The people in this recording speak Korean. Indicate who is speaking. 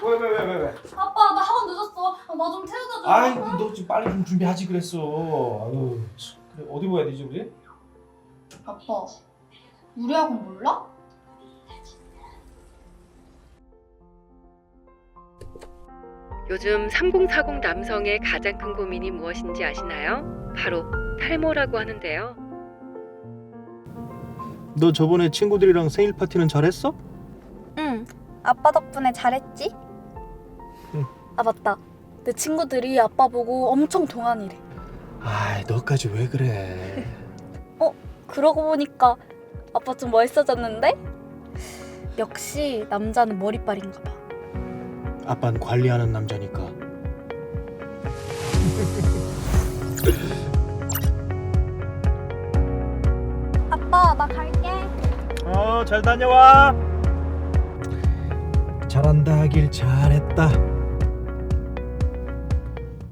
Speaker 1: 왜?
Speaker 2: 아빠 나 학원 늦었어. 나 좀 태워다 줘.
Speaker 1: 아이 너 지금 빨리 좀 준비하지 그랬어. 아유, 참. 그래 어디 봐야 되지 우리?
Speaker 2: 아빠 우리 학원 몰라?
Speaker 3: 요즘 3040 남성의 가장 큰 고민이 무엇인지 아시나요? 바로 탈모라고 하는데요.
Speaker 1: 너 저번에 친구들이랑 생일 파티는 잘했어?
Speaker 4: 응, 아빠 덕분에 잘했지?
Speaker 1: 응.
Speaker 4: 아 맞다, 내 친구들이 아빠 보고 엄청 동안이래.
Speaker 1: 아이 너까지 왜 그래?
Speaker 4: 그러고 보니까 아빠 좀 멋있어졌는데? 역시 남자는 머리빨인가 봐.
Speaker 1: 아빠는 관리하는 남자니까.
Speaker 4: 아빠 나 갈게.
Speaker 1: 잘 다녀와. 잘한다 하길 잘했다.